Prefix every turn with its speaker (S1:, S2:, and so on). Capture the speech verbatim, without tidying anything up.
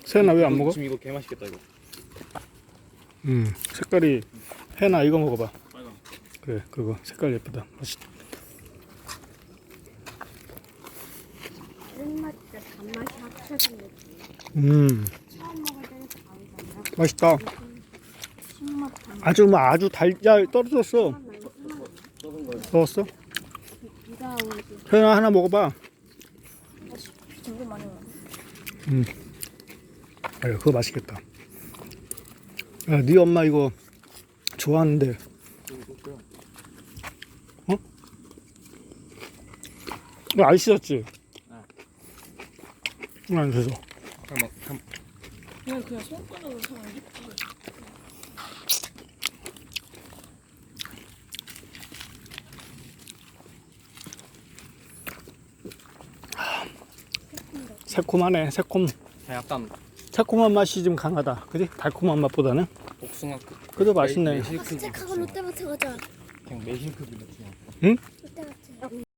S1: 세연아 왜 안 먹어?
S2: 지금 이거 개 맛있겠다 이거.
S1: 음 색깔이 혜나 이거 먹어봐.
S2: 빨강.
S1: 그래 그거 색깔 예쁘다. 맛있.
S3: 쓴맛과 단맛이 합쳐진 느낌.
S1: 음
S3: 처음 먹을 때는 다르잖아.
S1: 맛있다.
S3: 신맛 단맛.
S1: 아주 뭐 아주 달야 떨어졌어. 넣었어?
S3: 비가 오지.
S1: 혜나 하나 먹어봐.
S3: 비 되게 많이 와.
S1: 음. 아유 그거 맛있겠다. 야, 네 엄마 이거 좋아하는데. 어? 이거 안 씻었지? 응. 안 씻어.
S2: 잠깐만. 잠.
S3: 그냥 그냥 손가락으로 사면
S1: 새콤하네. 새콤.
S2: 약간
S1: 새콤한 맛이 좀 강하다. 그지? 달콤한 맛보다는.
S2: 복숭아급.
S1: 그래도 맛있네.
S2: 매실급.
S3: 스틱하고 롯데마트 가자.
S2: 그냥 매실급이 느낌.
S1: 응?
S3: 롯데마트.